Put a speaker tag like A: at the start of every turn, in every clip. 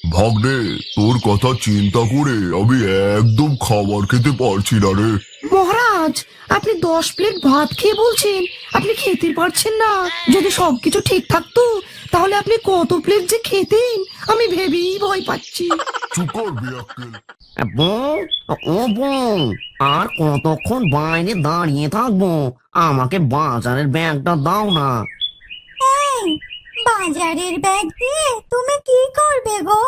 A: ভাগ্নে, তোর কথা চিন্তা করে আমি একদম খাবার খেতে পারছি না রে।
B: মহারাজ, আপনি 10 প্লেট ভাত খেয়ে বলছেন আপনি খেতে পারছেন না। যদি সবকিছু ঠিক থাকতো তাহলে আপনি কত প্লেট যে খেতেন আমি ভেবেই ভয় পাচ্ছি।
A: চুপ কর বিয়াক্কেল।
C: বউ, ও বউ, আর কতক্ষণ বাইরে দাঁড়িয়ে থাকবো? আমাকে বাজারের ব্যাগটা দাও না।
D: এই, বাজারের ব্যাগ দিয়ে তুমি কি করবে গো?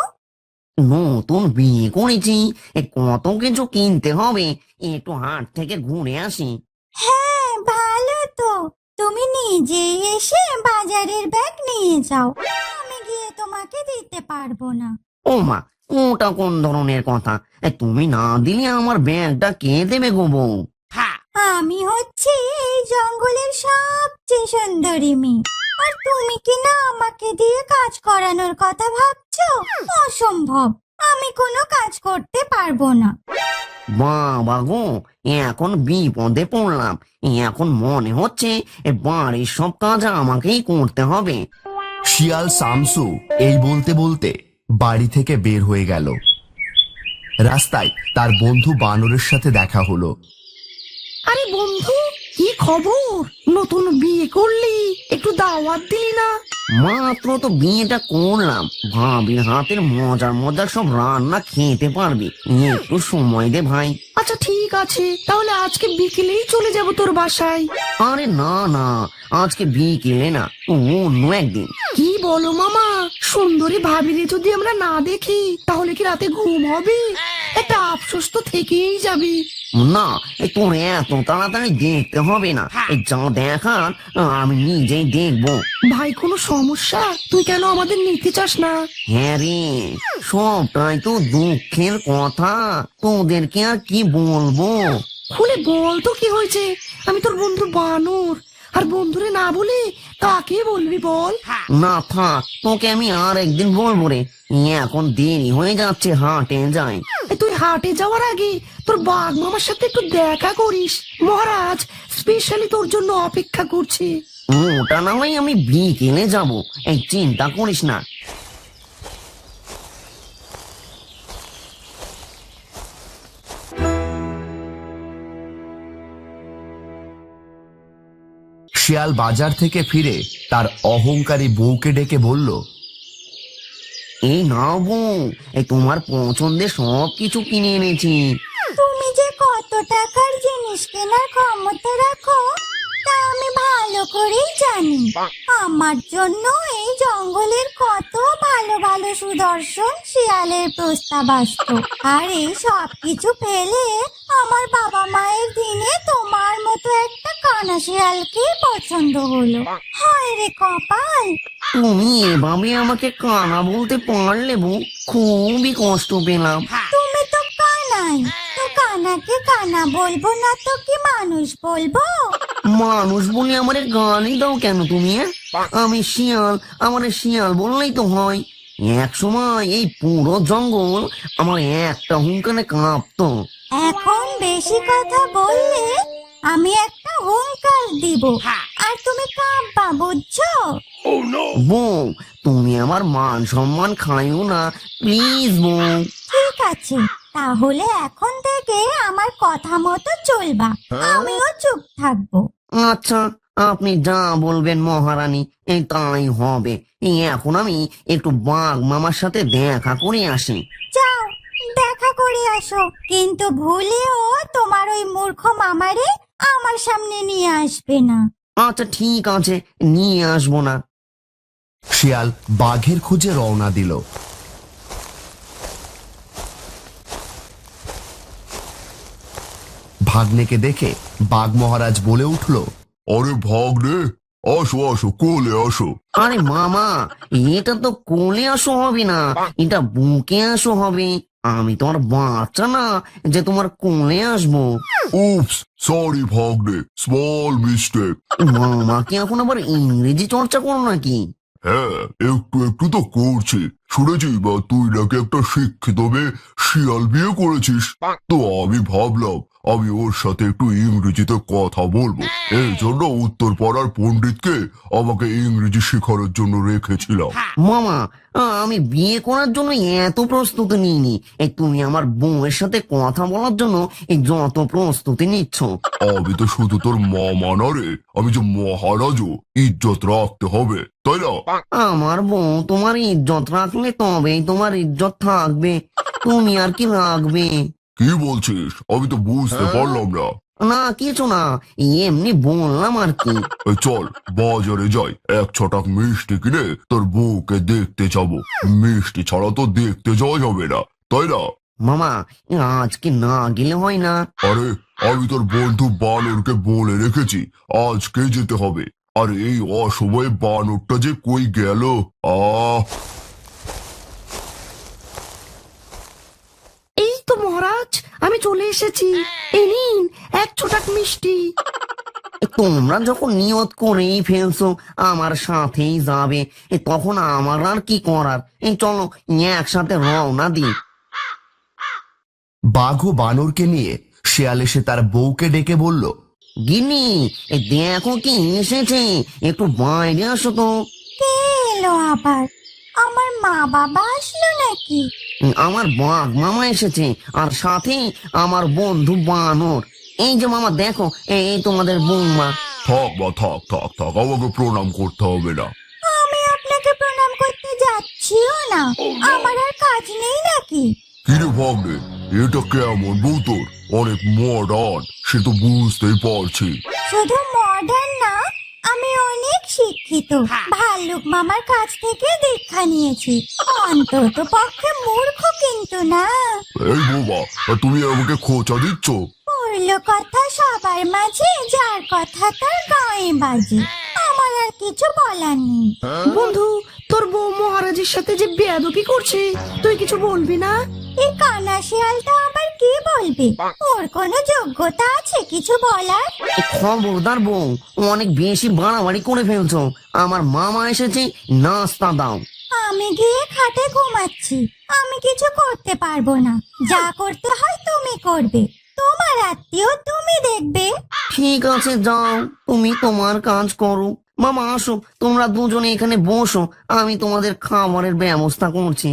C: নতুন বিয়ে করেছি, কত কিছু কিনতে হবে, একটু হাট থেকে ঘুরে আসি।
D: হ্যাঁ, ভালো তো। তুমি নিজেই এসে বাজারের ব্যাগ নিয়ে যাও, আমি গিয়ে তোমাকে দিতে পারবো না।
C: ও মা, ওটা কোন ধরনের কথা? তুমি না দিলে আমার ব্যাগটা কে দেবে গো বউ?
D: আমি হচ্ছি এই জঙ্গলের সবচেয়ে সুন্দরী মেয়ে, আর তুমি কি না আমাকে দিয়ে কাজ করানোর কথা ভাবছো? অসম্ভব, আমি কোনো কাজ করতে পারবো না।
C: বাবা গো, এখন বিপদে পড়লাম। এখন মনে হচ্ছে বাড়ির সব কাজ আমাকেই করতে হবে।
E: শিয়াল শামসু এই বলতে বলতে বাড়ি থেকে বের হয়ে গেল। রাস্তায় তার বন্ধু বানরের সাথে দেখা হলো।
B: আরে বন্ধু, কি খবর? নতুন বিয়ে করলি, একটু দাওয়াত দিলি না?
C: মাত্র তো বিয়েটা করলাম, ভাবির হাতের মজার মজার সব রান্না খেতে পারবি, একটু সময় দে ভাই।
B: আচ্ছা ঠিক আছে, তাহলে আজকে বিকেলেই চলে যাব তোর বাসায়।
C: আরে না না, আজকে বিকেলে না, অন্য একদিন।
B: কি বলো মামা, সুন্দরী ভাবিরে যদি আমরা না দেখি তাহলে কি রাতে ঘুম হবে? একটা আফসোস তো থেকেই যাবে।
C: না, তোর এত তাড়াতাড়ি দেখতে হবে না, যা দেখার আমি নিজেই দেখবো।
B: ভাই, কোনো সমস্যা? তুই কেন আমাদের নিতে চাস না?
C: হ্যাঁ রে, সবটাই তো দুঃখের কথা, তোদেরকে আর কি বলবো।
B: খুলে বল তো কি হয়েছে। আমি তোর বন্ধু বানর, আর বন্ধুরে না বলে কাকে বলবি বল?
C: না থাক, তোকে আমি আর একদিন বলবো রে, এখন দেরি হয়ে যাচ্ছে, হাটে যাই।
B: তুই হাটে যাওয়ার আগে তোর বাঘ মামার সাথে একটু দেখা করিস, মহারাজ স্পেশালি তোর জন্য অপেক্ষা করছে।
C: ওটা না হয় আমি বিকেলে যাবো, এই চিন্তা করিস না।
E: শিয়াল বাজার থেকে ফিরে তার অহংকারী বউকে ডেকে বলল,
C: এই নাও বউ, এই তোমার পছন্দের সব কিছু কিনে এনেছি।
D: তুমি যে কত টাকার জিনিস কেনার ক্ষমতা রাখো তা আমি ভালো করেই জানি। আমার জন্য এই জঙ্গলের কত ভালো ভালো সুদর্শন শিয়ালের প্রস্তাব আসতো, আর এই সব কিছু ফেলে আমার বাবা মায়ের দিনে তোমার মতো একটা কানা শিয়ালকে পছন্দ হলো। হায় রে কপাল!
C: তুমি এভাবে আমাকে কানা বলতে পারলে বউ, খুবই কষ্ট পেলাম।
D: তুমি তো কানাই, তো কানাকে কানা বলবো না তো কি মানুষ বলবো?
C: মানুষ বলে আমারে গালি দাও কেন তুমি? আমি শিয়াল, আমার শিয়াল বললেই তো হয়। এক সময় এই পুরো জঙ্গল আমার একটা হুঙ্কারে কাঁপতো।
D: এখন বেশি কথা বললে আমি একটা হুঙ্কার দিব, আর তুমি কাঁপবা, বুঝছো?
C: বউ, তুমি আমার মান সম্মান খাইও না, প্লিজ বউ।
D: ঠিক আছে, তাহলে এখন থেকে আমার কথা মতো চলবা, আমিও চুপ থাকবো।
C: আচ্ছা, আপনি যা বলবেন মহারানী, এই তাই হবে। এখন আমি একটু বাঘ মামার সাথে দেখা করে আসি।
D: যাও, দেখা করে আসো, কিন্তু ভুলেও তোমার ওই মূর্খ মামারে আমার সামনে নিয়ে আসবে না।
C: আচ্ছা ঠিক আছে, নিয়ে আসবো না।
E: শিয়াল বাঘের খোঁজে রওনা দিল। ভাগ্নেকে দেখে বাঘ মহারাজ বলে উঠল,
A: আরে ভাগ্নে, আসো আসো, কোলে আসো।
C: আরে মামা, এটা তো কোলে আসো হবে না, এটা বুকে আসো হবে। আমি তোমার বাচ্চা না যে তোমার কোলে আসবো।
A: উপস, সরি ভাগ্নে, স্মল মিস্টেক।
C: মামা কি এখন আবার ইংরেজি চর্চা করো নাকি?
A: হ্যাঁ, একটু একটু তো করছি। শুনেছি বা তুই নাকি একটা শিক্ষিত মেয়ে শিয়াল বিয়ে করেছিস। তো আমি ভাবলাম আমি ওর সাথে একটু ইংরেজিতে কথা বলবো, এই জন্য উত্তর পাড়ার পণ্ডিতকে আমাকে ইংরেজি শেখানোর জন্য রেখেছিলাম।
C: মামা, আমি বিয়ে করার জন্য এত প্রস্তুতি নিইনি। এই তুমি আমার বউয়ের সাথে কথা বলার জন্য এই যত প্রস্তুতি নিচ্ছ।
A: আমি তো শুধু তোর মামা না রে, আমি যে মহারাজও, ইজ্জত রাখতে হবে, তাই না?
C: আমার বউ তোমার ইজ্জত রাখলে তবেই তোমার ইজ্জত থাকবে। তুমি আর কি রাখবে?
A: কি বলছিস? আমি তো বুঝতে পারলাম না।
C: না, কিছু না, এমনি বললাম আর কি।
A: এই চল বাজারে যাই, 1 ছটাক মিষ্টি কিনে তোর বউকে দেখতে যাব। মিষ্টি ছাড়া তো দেখতে যাওয়া যাবে না, তাই না?
C: মামা, আজকে না গেলে হয় না?
A: আরে আমি তোর বন্ধু বানরকে বলে রেখেছি আজকে যেতে হবে। আর এই অসময়ে বানরটা যে কই গেল।
B: এই তো মহারাজ, আমি চলে এসেছি। এই নিন 1 ছোটাক মিষ্টি।
C: তোমরা যখন নিয়ত করেই ফেলছো আমার সাথেই যাবে, তখন আমার আর কি করার। এই চলো একসাথে রওনা দিই।
E: বাঘ ও বানরকে নিয়ে শিয়াল এসে তার বউকে ডেকে বলল,
C: গিন্নি, দেখো কি এসেছে, একটু বাইরে আসো তো।
D: কে এলো আবার? আমার মা বাবা আসলো নাকি?
C: আমার বাঘ মামা এসেছে, আর সাথে আমার বন্ধু বানর। এই যে মামা দেখো, এই তোমাদের বৌমা।
A: থাক বা থাক থাক থাক, আমাকে প্রণাম করতে হবে না।
D: আমি আপনাকে প্রণাম করতে যাচ্ছিও না। আমার আর কাজ নেই নাকি?
A: কিরে ভাগ্নে, এটা কেমন বউ তোর? অনেক মডার্ন, সে তো বুঝতেই পারছি।
D: শুধু মডার্ন না, আমি অনেক শিক্ষিত। ভাল্লুক মামার কাছ থেকে দীক্ষা নিয়েছি। অন্তত পক্ষে মূর্খ কিন্তু না।
A: এই বোবা, তুমি আমাকে খোঁচা দিচ্ছ?
D: পড়ল কথা সবার মাঝে, যার কথা তার গায়ে বাজে। আমার আর কিছু বলার নেই।
B: বন্ধু, তোর বউ মহারাজের সাথে যে বেয়াদবি করছে, তুই কিছু বলবি না?
D: এই কানা শিয়ালটা আবার কি বলবে? ওর কোনো যোগ্যতা আছে কিছু বলার?
C: খবরদার বউ, অনেক বেশি বাড়াবাড়ি করে ফেলছো। আমার মামা এসেছে, নাস্তা দাও।
D: আমি গিয়ে খাটে ঘুমাচ্ছি। আমি কিছু করতে পারবো না। যা করতে হয় তুমি করবে। তোমার আত্মীয় তুমি দেখবে।
C: ঠিক আছে, যাও, তুমি তোমার কাজ করো। মামা আসো, তোমরা দুজনে এখানে বসো, আমি তোমাদের খাবারের ব্যবস্থা করছি।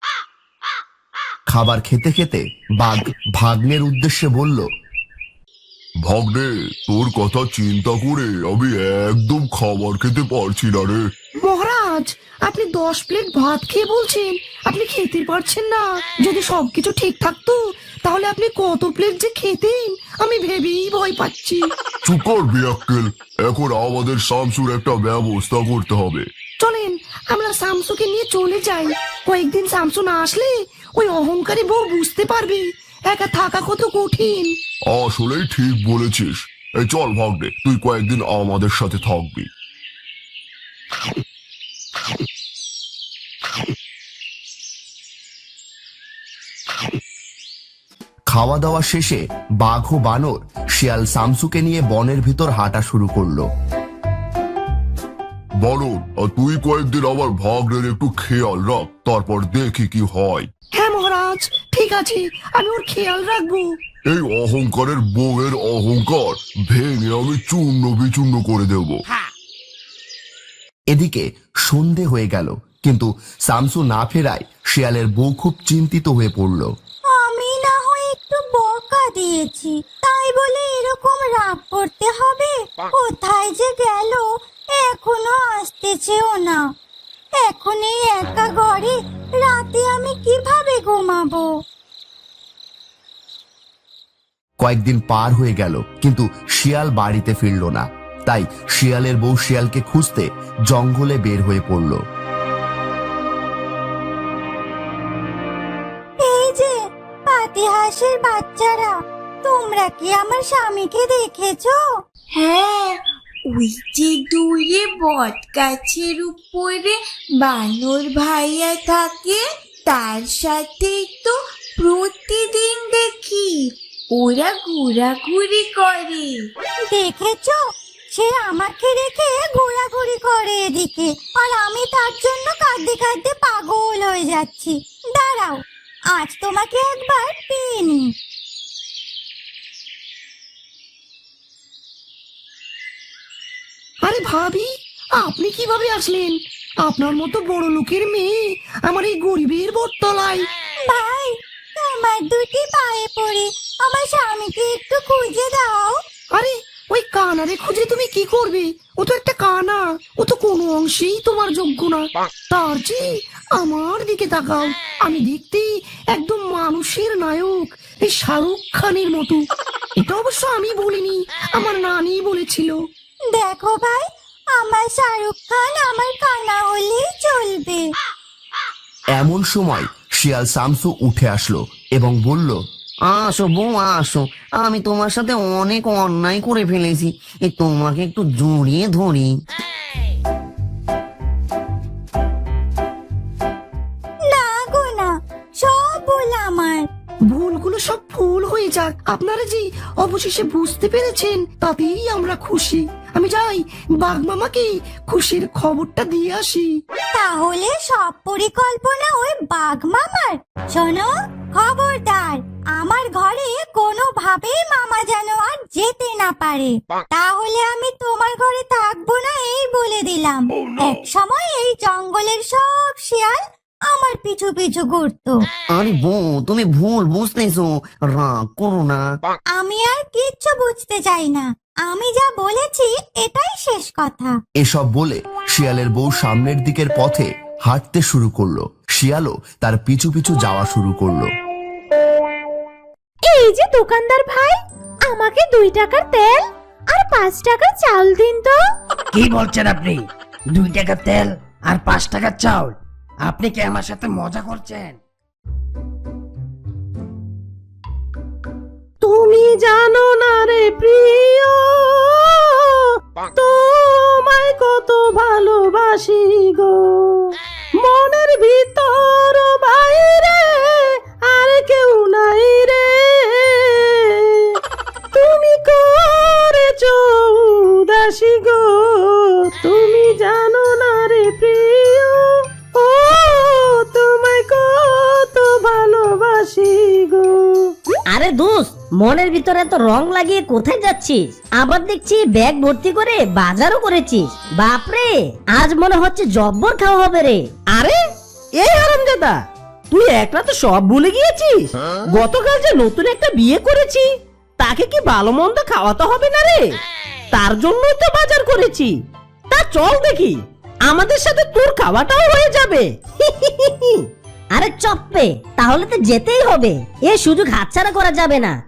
E: খাবার খেতে খেতে বাঘ ভাগ্নের উদ্দেশ্যে বলল,
A: ভাগ্নে, তোর কথা চিন্তা করে আমি একদম খাবার খেতে পারছি না রে।
B: মহারাজ, আপনি 10 প্লেট ভাত খেয়ে বলছেন আপনি খেতে পারছেন না। যদি সবকিছু ঠিক থাকতো তাহলে আপনি কত প্লেট যে খেতেন আমি ভেবেই ভয় পাচ্ছি।
A: চুপ কর বিয়াক্কেল, এখন আমাদের শামসুর একটা ব্যবস্থা করতে হবে।
B: চলেন আমরা শামসুকে নিয়ে চলে যাই। কয়েকদিন শামসু না আসলে ওই অহংকারী বউ বুঝতে পারবে একা থাকা কত কঠিন।
A: আসলেই ঠিক বলেছিস। এই চল ভাগ্নে, তুই কয়েকদিন আমাদের সাথে থাকবি।
E: খাওয়া দাওয়া শেষে বাঘ ও বানর শিয়াল শামসুকে নিয়ে বনের ভিতর হাঁটা শুরু করলো।
A: বলো, আর তুই কয়েকদিন আমার ভাগ্নের একটু খেয়াল রাখ, তারপর দেখি কি হয়।
B: হ্যাঁ মহারাজ, ঠিক আছে, আমি ওর খেয়াল রাখবো।
A: এই অহংকারের বউয়ের অহংকার ভেঙে আমি চূর্ণ বিচূর্ণ করে দেব।
E: এদিকে সন্ধে হয়ে গেল, কিন্তু শামসু না ফেরায় শিয়ালের বউ খুব চিন্তিত হয়ে পড়ল।
D: আমি না হয় একটু বকা দিয়েছি, তাই বলে এরকম রাগ করতে হবে? কোথায় যে গেল, এখনো আসতেছেও না। এখন এই একা ঘরে রাতে আমি কিভাবে ঘুমাবো?
E: কয়েকদিন পার হয়ে গেল, কিন্তু শিয়াল বাড়িতে ফিরল না। তাই শিয়ালের বউ শিয়ালকে খুঁজতে জঙ্গলে বের হয়ে পড়ল।
D: এই যে পাতিহাঁসের বাচ্চারা, তোমরা কি আমার স্বামীকে দেখেছো?
F: হ্যাঁ, ওই যে দূরে বট গাছের উপরে বানর ভাইয়া থাকে, তার সাথে তো প্রতিদিন দেখি ওরা ঘোরাঘুরি করে।
D: দেখেছো? সে আমাকে রেখে ঘোরাঘুরি করে এদিকে, আর আমি তার জন্য কাঁদতে কাঁদতে পাগল হয়ে যাচ্ছি। দাঁড়াও, আজ তোমাকে একবার পেয়ে নি।
B: আরে ভাবি, আপনি কিভাবে আসলেন? আপনার মতো বড় লোকের মেয়ে আমার এই গরিবের বটতলায়।
D: ভাই, তোমার দুটি পায়ে পড়ে আমার স্বামীকে একটু খুঁজে দাও।
B: আরে ওই কানারে খুঁজে তুমি কি করবে? ও তো একটা কানা, ও তো কোনো অংশেই তোমার যোগ্য না। তার চেয়ে আমার দিকে তাকাও, আমি দেখতে একদম মানুষের নায়ক, এই শাহরুখ খানের মতো। এটা অবশ্য আমি বলিনি, আমার নানি বলেছিল।
D: দেখো ভাই, আমার শাহরুখ খান আমার কানা হলেই চলবে।
E: এমন সময় শিয়াল শামসু উঠে আসলো এবং বলল,
C: আসো বউ আসো, আমি তোমার সাথে অনেক অন্যায় করে ফেলেছি, তোমাকে একটু জড়িয়ে ধরি।
D: না গো না, সব ভুল আমার।
B: ভুলগুলো সব ভুল হয়ে যাক, আপনারা যে অবশেষে বুঝতে পেরেছেন তাতেই আমরা খুশি। আমি যাই বাঘ মামাকে খুশির খবরটা দিয়ে আসি।
D: তাহলে সব পরিকল্পনা ওই বাঘ মামার? শোনো, খবরদার, আমার ঘরে কোনোভাবেই মামা যেন আর যেতে না পারে। তাহলে আমি তোমার ঘরে থাকবো না, এই বলে দিলাম। এক সময় এই জঙ্গলের সব শিয়াল আমার পিছু পিছু ঘুরতো।
C: আরে বউ, তুমি ভুল বুঝতেছো, রাগ করো না।
D: আমি আর কিচ্ছু বুঝতে চাই না, আমি যা বলেছি এটাই শেষ কথা।
E: এসব বলে শিয়ালের বউ সামনের দিকের পথে হাঁটতে শুরু করলো। শিয়ালও তার পিছু পিছু যাওয়া শুরু করলো।
G: এই যে দোকানদার ভাই, আমাকে 2 টাকার তেল আর 5 টাকার চাল দিন তো।
H: কি বলছেন আপনি? 2 টাকার তেল আর 5 টাকার চাউল? আপনি কি আমার সাথে মজা করছেন?
G: তুমি জানো না রে প্রিয়, তোমায় কত ভালোবাসি গো, মনের ভিতর বাইরে আর কেউ নাই রে, তুমি করেছো উদাসী গো, তুমি জানো না রে প্রিয়, ও তোমায় কত ভালোবাসি গো।
I: আরে দোস্ত, মনের ভিতরে তো রং লাগিয়ে কোথায় যাচ্ছিস? আবার দেখছি ব্যাগ ভর্তি করে বাজারও করেছিস। বাপরে, আজ মনে হচ্ছে জব্বর খাওয়া হবে রে।
G: আরে এই হারামজাদা, তুই একটা তো সব ভুলে গিয়েছিস। গতকাল যে নতুন একটা বিয়ে করেছি, তাকে কি ভালো মন্দ খাওয়াতে হবে না রে? তার জন্যই তো বাজার করেছি। তা চল দেখি, আমাদের সাথে তোর খাওয়াটাও হয়ে যাবে।
I: আরে চপ্পে, তাহলে তো যেতেই হবে, এ সুযোগ হাতছাড়া করা যাবে না।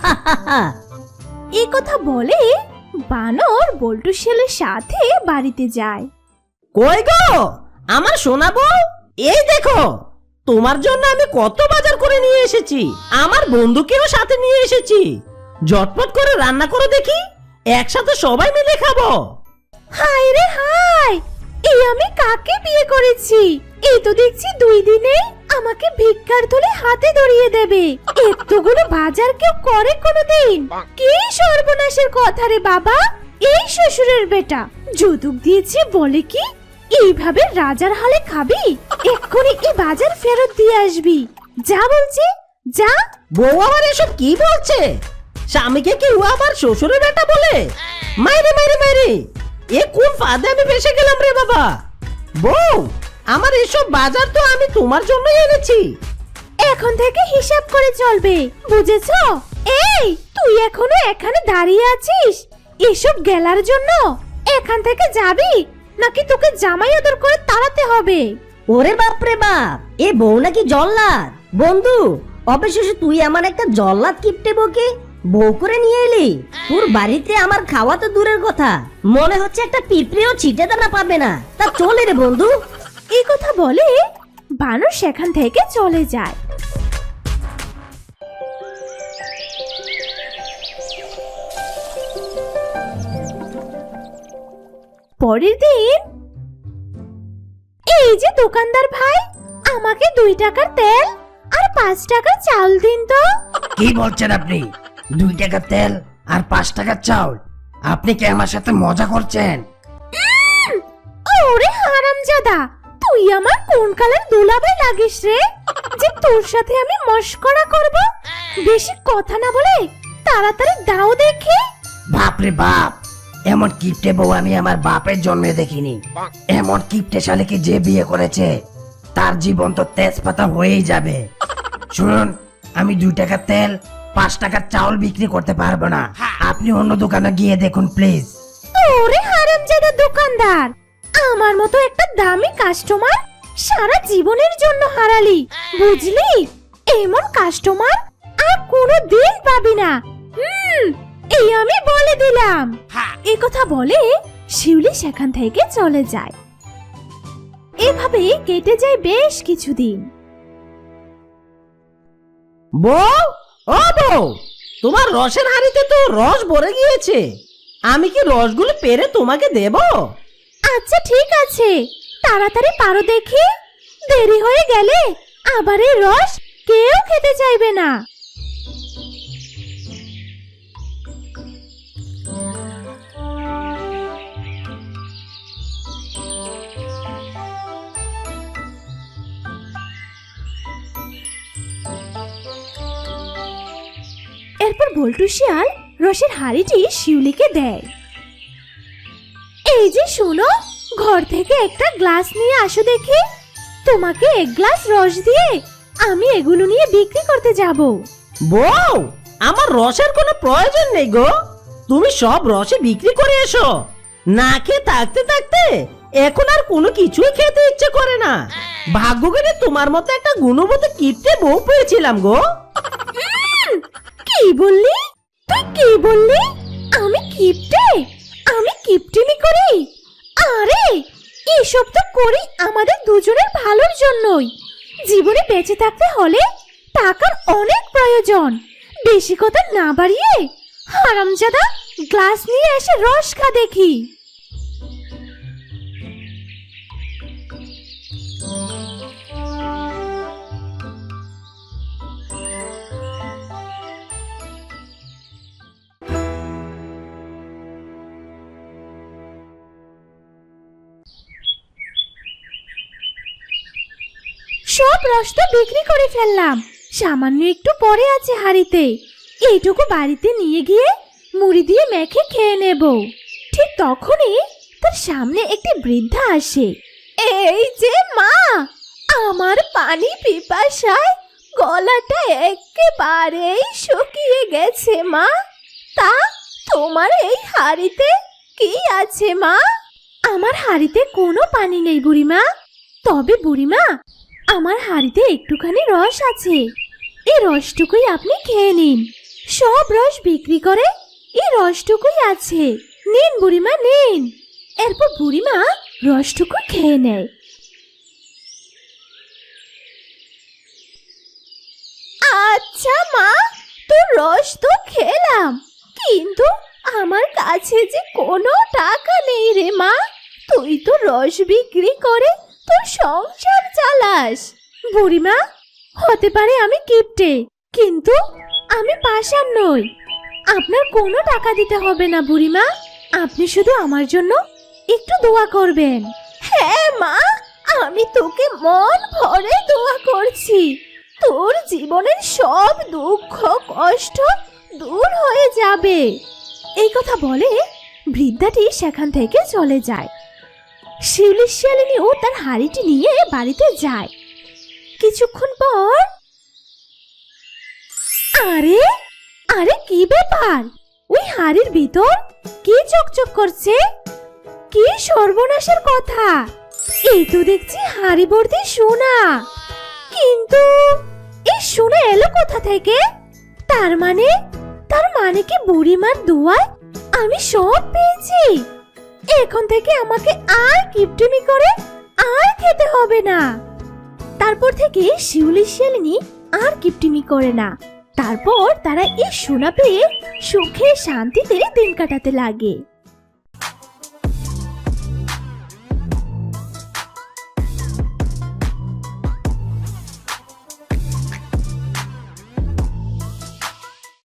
G: এই কথা বলে বানর বল্টু শিয়ালের সাথে বাড়িতে যায়। কই গো আমার সোনা বউ, এই দেখো তোমার জন্য আমি কত বাজার করে নিয়ে এসেছি, আমার বন্ধুকেও সাথে নিয়ে এসেছি। ঝটপট করে রান্না করো দেখি, একসাথে সবাই মিলে খাবো। হায় রে হায়, এই আমি কাকে বিয়ে করেছি? এই তো দেখছি 2 দিনে আমাকে ভিক্ষার থলে হাতে ধরিয়ে দেবে। এতগুলো বাজার কেউ করে কোনোদিন? কি সর্বনাশের কথা রে বাবা, এই শ্বশুরের বেটা যৌতুক দিয়েছে বলে কি এইভাবে রাজার হালে খাবি? এক্ষুনি এই বাজার ফেরত দিয়ে আসবি, যা বলছি যা। বউ আবার এসব কি বলছে? স্বামীকে কি ও আবার শ্বশুরের বেটা বলে? মাইরে মাইরে মাইরে, এ কোন ফাঁদে আমি ফেসে গেলাম রে বাবা। বউ, আমার এসব বাজার তো আমি তোমার জন্যই এনেছি। এখন থেকে হিসাব করে চলবে, বুঝেছো? এই তুই এখনো এখানে দাঁড়িয়ে আছিস এসব গেলার জন্য? এখান থেকে যাবি নাকি তোকে জামাই আদর করে তাড়াতে হবে?
I: ওরে বাপরে বাপ, এ বউ নাকি জল্লাদ? বন্ধু, অবশেষে তুই আমার একটা জল্লাদ কিপটে বউকে বউ করে নিয়ে এলি। তোর বাড়িতে আমার খাওয়া তো দূরের কথা, মনে হচ্ছে একটা পিঁপড়েও ছিটে দানা পাবে না। তা চলে রে বন্ধু।
G: এই কথা বলে বানর সেখান থেকে চলে যায়। পরের দিন, এই যে দোকানদার ভাই, আমাকে 2 টাকার তেল আর 5 টাকার চাল দিন তো।
H: কি বলছেন আপনি? 2 টাকার তেল আর 5 টাকার চাউল? আপনি কি আমার সাথে মজা করছেন?
G: ওরে হারামজাদা, তুই আমার কোন কালের দুলাভাই লাগিস রে, যে তোর সাথে আমি মস্করা করব? বেশি কথা না বলে তাড়াতাড়ি দাও দেখি।
H: বাপরে বাপ, এমন কিপটে বউ আমি আমার বাপের জন্মে দেখিনি। এমন কিপটে শালীকে যে বিয়ে করেছে তার জীবন তো তেজপাতা হয়েই যাবে। শুনুন, আমি 2 টাকার তেল 5 টাকার চাউল বিক্রি করতে পারবো না। আপনি অন্য দোকানে গিয়ে দেখুন প্লিজ।
G: ওরে হারামজাদা দোকানদার, আমার মতো একটা দামি কাস্টমার সারা জীবনের জন্য হারালি, বুঝলি? এমন কাস্টমার আর কোনোদিন পাবি না। এই আমি বলে দিলাম। এই কথা বলে শিউলি সেখান থেকে চলে যায়। এভাবে কেটে যায় বেশ কিছুদিন।
J: বউ, ও বউ, তোমার রসের হাঁড়িতে তো রস ভরে গিয়েছে। আমি কি রসগুলো পেরে তোমাকে দেব?
G: আচ্ছা ঠিক আছে, তাড়াতাড়ি পারো দেখি, দেরি হয়ে গেলে আবার এই রস কেউ খেতে চাইবে না। এরপর বল্টু শিয়াল রসের হাঁড়িটি শিউলিকে দেয়। এই যে শোনো, ঘর থেকে একটা গ্লাস নিয়ে আসো দেখি। তোমাকে 1 গ্লাস রস দিয়ে আমি এগুলো নিয়ে বিক্রি করতে যাব।
J: বউ, আমার রসের কোনো প্রয়োজন নেই গো। তুমি সব রসে বিক্রি করে এসো। না খেয়ে থাকতে থাকতে এখন আর কোনো কিছুই খেতে ইচ্ছে করে না। ভাগ্য করে তোমার মতো একটা গুণবতী কিপটে বউ পেয়েছিলাম গো।
G: কি বললি? তুই কি বললি? আমি কিপটে? আমি কিপটিমি করি? আরে এসব তো করি আমাদের দুজনের ভালোর জন্যই। জীবনে বেঁচে থাকতে হলে টাকার অনেক প্রয়োজন। বেশি কথা না বাড়িয়ে হারামজাদা গ্লাস নিয়ে এসে রস খা দেখি। সব রস তো বিক্রি করে ফেললাম, সামান্য একটু পরে আছে হাঁড়িতে। এইটুকু বাড়িতে নিয়ে গিয়ে মুড়ি দিয়ে মেখে খেয়ে নেব। ঠিক তখনই তার সামনে একটি বৃদ্ধা আসে। এই যে মা, আমার পানি পিপাসায় গলাটা একেবারেই শুকিয়ে গেছে মা। তা তোমার এই হাঁড়িতে কি আছে মা? আমার হাঁড়িতে কোনো পানি নেই বুড়িমা। তবে বুড়িমা, আমার হাঁড়িতে একটুখানি রস আছে। এই রসটুকুই আপনি খেয়ে নিন। সব রস বিক্রি করে এই রসটুকুই আছে। নিন বুড়িমা, নিন। এরপর বুড়িমা রসটুকু খেয়ে নেয়। আচ্ছা মা, তোর রস তো খেলাম, কিন্তু আমার কাছে যে কোনো টাকা নেই রে মা। তুই তো রস বিক্রি করে তোর সংসার চালাস। বুড়িমা, হতে পারে আমি কিপটে, কিন্তু আমি পাষাণ নই। আপনার কোনো টাকা দিতে হবে না বুড়িমা। আপনি শুধু আমার জন্য একটু দোয়া করবেন। হ্যাঁ মা, আমি তোকে মন ভরে দোয়া করছি। তোর জীবনের সব দুঃখ কষ্ট দূর হয়ে যাবে। এই কথা বলে বৃদ্ধাটি সেখান থেকে চলে যায়। শিউলি শিয়ালিনীও তার হাঁড়িটি নিয়ে বাড়িতে যায়। কিছুক্ষণ পর, আরে আরে কি ব্যাপার? ওই হাঁড়ির ভিতর কি চকচক করছে? কি সর্বনাশের কথা! এই তো দেখছি হাঁড়ি ভর্তি সোনা। কিন্তু এই সোনা এলো কোথা থেকে? তার মানে কি বুড়িমার দোয়ায় আমি সব পেয়েছি? এখন থেকে আমাকে আর কিপটিমি করে আর খেতে হবে না। তারপর থেকে শিউলি শিয়ালিনী আর কিপটিমি করে না। তারপর তারা এই সোনা পেয়ে সুখে শান্তিতে দিন কাটাতে লাগে।